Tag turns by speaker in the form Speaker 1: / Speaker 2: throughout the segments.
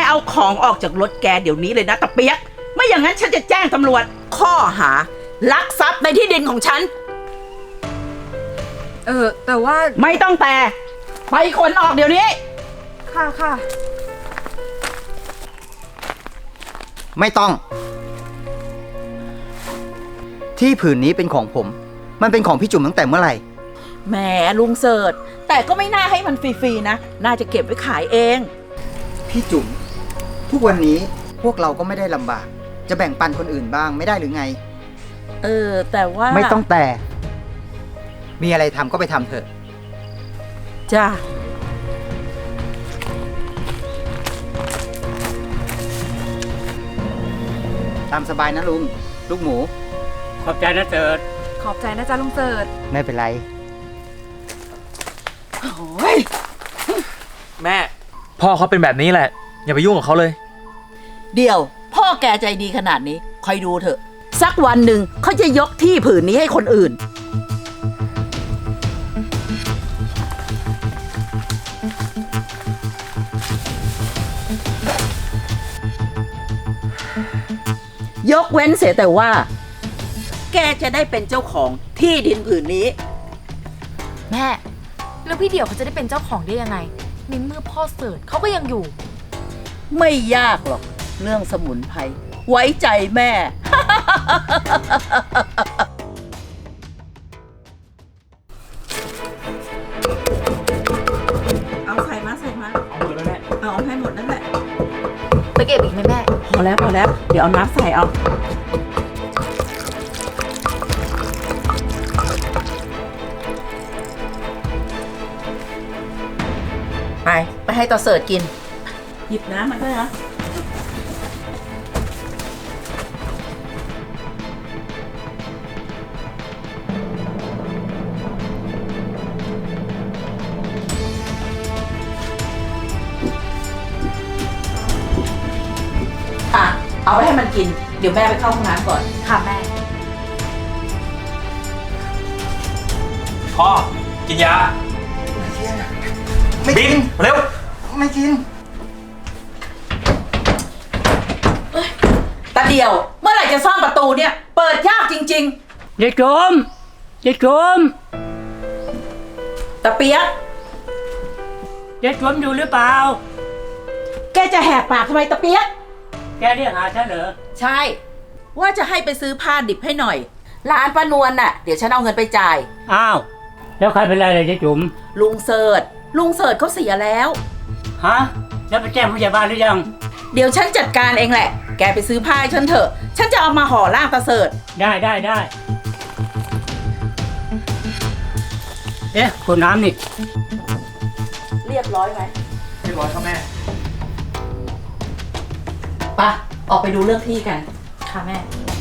Speaker 1: เอาของออกจากรถแกเดี๋ยวนี้เลยนะตะเปียกไม่อย่างนั้นฉันจะแจ้งตำรวจข้อหาลักทรัพย์ในที่ดินของฉัน
Speaker 2: แต่ว่า
Speaker 1: ไม่ต้องแต่ไปขนออกเดี๋ยวนี้
Speaker 2: ค่ะ
Speaker 3: ไม่ต้องที่ผืนนี้เป็นของผมมันเป็นของพี่จุ๋มตั้งแต่เมื่อไหร่
Speaker 1: แหมลุงเสิร์ชแต่ก็ไม่น่าให้มันฟรีๆนะน่าจะเก็บไว้ขายเอง
Speaker 3: พี่จุ๋มทุกวันนี้พวกเราก็ไม่ได้ลำบากจะแบ่งปันคนอื่นบ้างไม่ได้หรือไง
Speaker 1: แต่ว่า
Speaker 3: ไม่ต้องแต่มีอะไรทำก็ไปทำเถอะ
Speaker 1: จ้า
Speaker 3: ตามสบายนะลุงลูกหมู
Speaker 4: ขอบใจนะเสิร์ช
Speaker 2: ขอบใจนะจ๊ะลุงเสิร์ช
Speaker 3: ไม่เป็นไร
Speaker 1: โอ้ย
Speaker 5: แม่พ่อเขาเป็นแบบนี้แหละอย่าไปยุ่งกับเขาเลย
Speaker 1: เดี๋ยวพ่อแกใจดีขนาดนี้คอยดูเถอะสักวันหนึ่งเขาจะยกที่ผืนนี้ให้คนอื่นยกเว้นเสียแต่ว่าแกจะได้เป็นเจ้าของที่ดินผืนนี้
Speaker 2: แม่แล้วพี่เดี่ยวเขาจะได้เป็นเจ้าของได้ยังไงในเมื่อพ่อเสิร์ชเขาก็ยังอยู่
Speaker 1: ไม่ยากหรอกเรื่องสมุนไพรไว้ใจแม่ เอาใส่มา
Speaker 5: เอาหมดแล้วแม่
Speaker 1: เอาให้หมดนั่นแหละ
Speaker 2: ไปเก็บอีกไหมแม่
Speaker 1: พอแล้วเดี๋ยวเอาน้ำใส่เอาไปให้ต่อเสิร์ชกินหยิบน้ำมาด้วยนะเอาไปให้มันกินเดี๋ยวแม่ไปเข้าห้องน้ำก่อน
Speaker 2: ค่ะแม่
Speaker 5: พ่อกินยาบินเร็ว
Speaker 3: ไม่กิน
Speaker 1: ตาเดียวเมื่อไหร่จะซ่อมประตูเนี่ยเปิดยากจริง
Speaker 4: ๆยายโจม
Speaker 1: ตาเปียก
Speaker 4: ยายโจมอยู่หรือเปล่า
Speaker 1: แกจะแหกปากทำไมตาเปียก
Speaker 4: แกเรียกหาฉันเหรอ
Speaker 1: ใช่ว่าจะให้ไปซื้อผ้าดิบให้หน่อยร้านป้านวลน่ะเดี๋ยวฉันเอาเงินไปจ่าย
Speaker 4: อ้าวแล้วใครเป็นไรเลยยายจุ๋ม
Speaker 1: ลุงเสิร์ชเขาเสียแล้ว
Speaker 4: ฮะแล้วไปแจ้งผู้ใหญ่บ้านหรือยัง
Speaker 1: เดี๋ยวฉันจัดการเองแหละแกไปซื้อผ้าให้ฉันเถอะฉันจะเอามาห่อร่างตาเสิร์ช
Speaker 4: ได้เอ๊ะขวดน้ำนี่
Speaker 1: เรียบร้อยไหม
Speaker 5: เรียบร้อยครับแม่
Speaker 1: ไปออกไปดูเรื่องที่กัน
Speaker 2: ค่ะแม่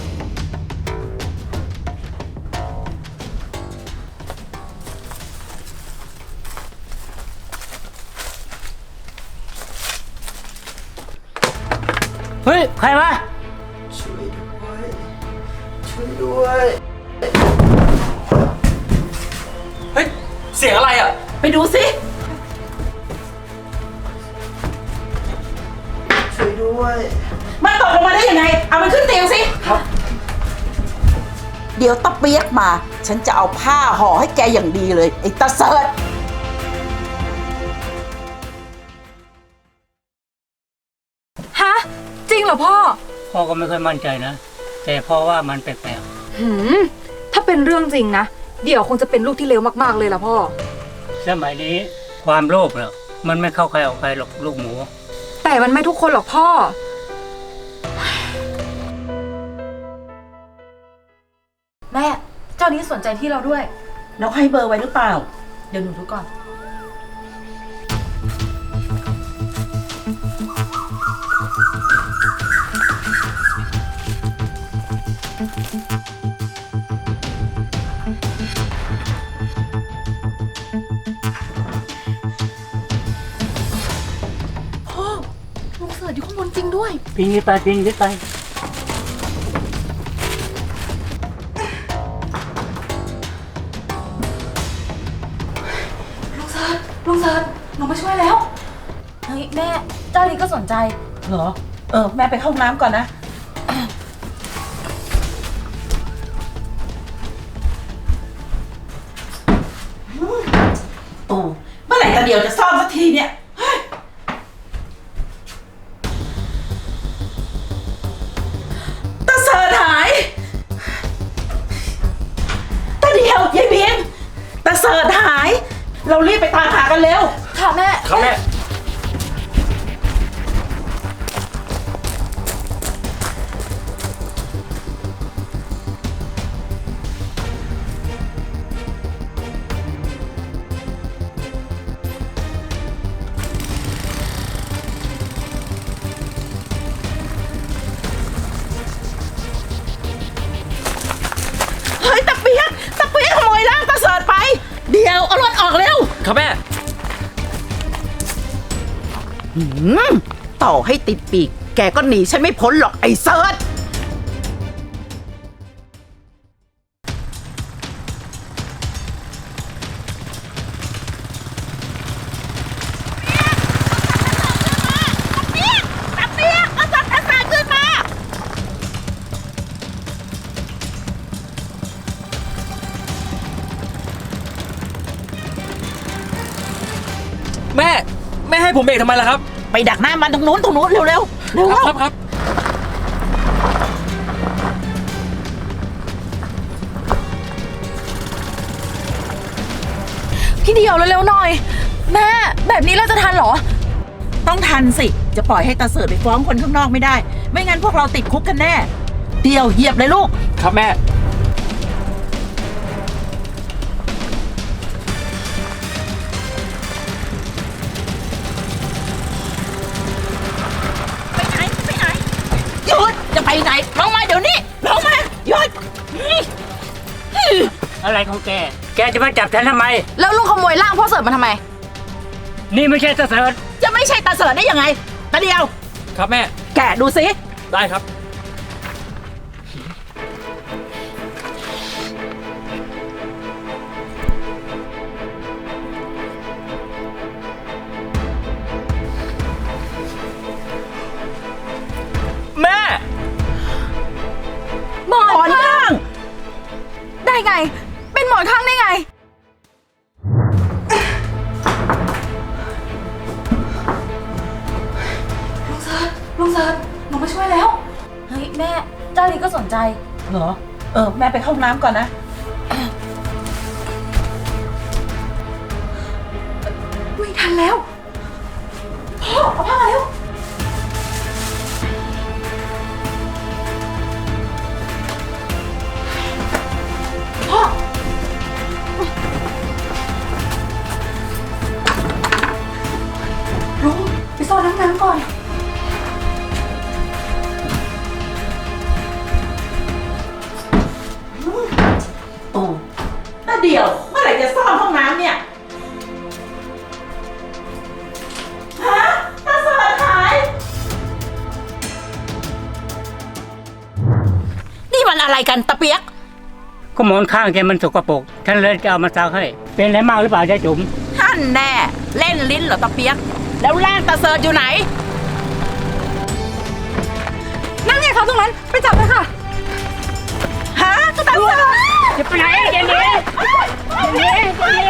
Speaker 4: เฮ้ยใครวะ
Speaker 3: ช่วยด้วย
Speaker 5: เฮ้ยเสียงอะไรอ่ะ
Speaker 1: ไปดูสิ
Speaker 3: ช่วยด้วย
Speaker 1: มันตกลงมาได้ยังไงเอามันขึ้นเตียงสิ
Speaker 3: ครับ
Speaker 1: เดี๋ยวตะเปียกมาฉันจะเอาผ้าห่อให้แกอย่างดีเลยไอ้ตาเสิร์ช
Speaker 2: ฮะจริงเหรอ
Speaker 4: พ่อก็ไม่ค่อยมั่นใจนะแต่พ่อว่ามันแปลก
Speaker 2: ๆถ้าเป็นเรื่องจริงนะเดี๋ยวคงจะเป็นลูกที่เลวมากๆเลยล่ะพ่อ
Speaker 4: สมัยนี้ความโลภเนี่ยมันไม่เข้าใครออกใครหรอกลูกหมู
Speaker 2: แต่มันไม่ทุกคนหรอกพ่อแม่เจ้านี้สนใจที่เราด้วย
Speaker 1: แล้วให้เบอร์ไว้หรือเปล่า
Speaker 2: เดี๋ยวหนูดูก่อนพ่อลุงเสิร์ชอยู่ข้างบนจริงด้วย
Speaker 4: ปีนไป
Speaker 2: ลุงเสิร์ชหนูมาช่วยแล้วเฮ้ยแม่เจ้านี้ก็สนใจ
Speaker 1: เหรอ แม่ไปเข้าห้องน้ำก่อนนะ ตู่เมื่อไหร่ตาเดียวจะซ่อมสักทีเนี่ยเฮ้ยตาเสิร์ชหายตาเดียวยายบีมตาเสิร์ชหาย เรารีบไปตามหากันเร็ว
Speaker 2: ค่ะแม่
Speaker 5: ครับแม่
Speaker 1: เฮ้ยตะเปียกขโมยร่างตาเสิร์ชไป เดี๋ยวเอารถออกเร็ว
Speaker 5: ครับแม่
Speaker 1: ต่อให้ติดปีก แกก็หนีฉันไม่พ้นหรอกไอ้เสิร์ช
Speaker 5: แม่ให้ผมเบรกทำไมล่ะครับ
Speaker 1: ไปดักหน้ามันตรงนู้นเร็วเร็ว
Speaker 5: ครับ
Speaker 2: พี่เดียวเร็วๆหน่อย แม่แบบนี้เราจะทันเหรอ
Speaker 1: ต้องทันสิ จะปล่อยให้ตาเสิร์ชไปฟ้องคนข้างนอกไม่ได้ ไม่งั้นพวกเราติดคุกกันแน่ เดียวเหยียบเลยลูก
Speaker 5: ครับแม่
Speaker 1: ไปไหนหยุดจะไปไหนลงมาเดี๋ยวนี้ลงมาหยุด
Speaker 4: อะไรของแก แกจะมาจับฉันทำไม
Speaker 2: แล้วลุงขโมยร่างพ่อเสิร์ฟมาทำไม
Speaker 4: นี่ไม่ใช่ตาเสิร์ช
Speaker 1: จะไม่ใช่ตาเสิร์ชได้ยังไงตาเดียว
Speaker 5: ครับแม่
Speaker 1: แกะดูสิ
Speaker 5: ได้ครับ แม่
Speaker 2: หมอน
Speaker 1: ถอน
Speaker 2: ข้าง
Speaker 1: ข้าง
Speaker 2: ได้ไง เป็นหมอนข้างได้ไง ลุงเซิร์ชหนูมาช่วยแล้ว เฮ้ยแม่ เจ้านี้ก็สนใจ
Speaker 1: เหรอ แม่ไปเข้าห้องน้ำก่อนนะ
Speaker 2: ไม่ทันแล้ว พ่อเอาผ้ามาเร็ว พ่อ ลุงไปซ่อนน้ำก่อน
Speaker 1: ตู่ตาเดียวเมื่อไหร่จะซ่อมห้องน้ำเนี่ยฮะตาเสิร์ชหาย นี่มันอะไรกันตะเปียก
Speaker 4: ก็หมอนข้างแกมันสกปรกฉันเลยจะเอามาซักให้ เป็นอะไรมากหรือเปล่าจ๊ะจุ๋ม
Speaker 1: ท่านแน่ เล่นลิ้นเหรอตะเปียก แล้วร่างตาเสิร์ชอยู่ไหน
Speaker 2: นั่นไงคะตรงนั้น ไปจับเลยค่ะ
Speaker 1: ฮะตาเสิร์ช
Speaker 4: จะไปไหนเจนนี่เจนนี่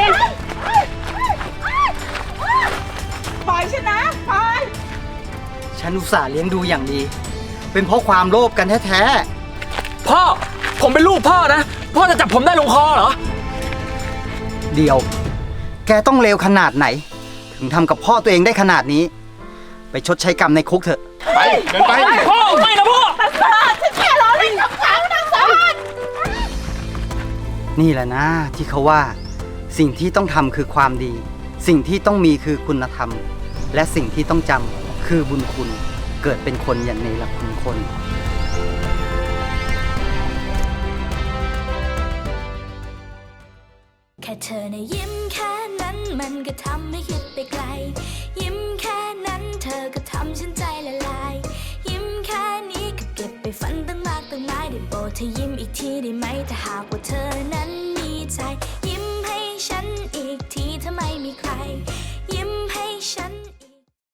Speaker 1: ปล่อยฉันนะปล่อย
Speaker 3: ฉันอุตส่าห์เลี้ยงดูอย่างดี เป็นเพราะความโลภกันแท้
Speaker 5: พ่อ ผมเป็นลูกพ่อนะ พ่อจะจับผมได้ลงคอเหรอ
Speaker 3: ๆเดียว แกต้องเลวขนาดไหน ถึงทำกับพ่อตัวเองได้ขนาดนี้ ไปชดใช้กรรมในคุกเถอะ
Speaker 5: ไปเดินไป พ่อ ไม่นะพ่อ
Speaker 1: ตาเสิร์ชฉันแค่ล้อเล่นกับเขาตาเสิร์ช
Speaker 3: นี่แหละนะที่เขาว่า สิ่งที่ต้องทำคือความดี สิ่งที่ต้องมีคือคุณธรรม และสิ่งที่ต้องจำคือบุญคุณ เกิดเป็นคนอย่างในหลักคุณคน
Speaker 6: แค่เธอในะยิ้มแค่นั้นมันก็ทำให้คิดไปไกล ยิ้มแค่นั้นเธอก็ทำฉันใจละลาย ยิ้มแค่นี้ก็เก็บไปฝันตั้งมากตั้งหลายได้โปรดเธอยิ้มอีกทีได้ไหมถ้าหากว่าเธอ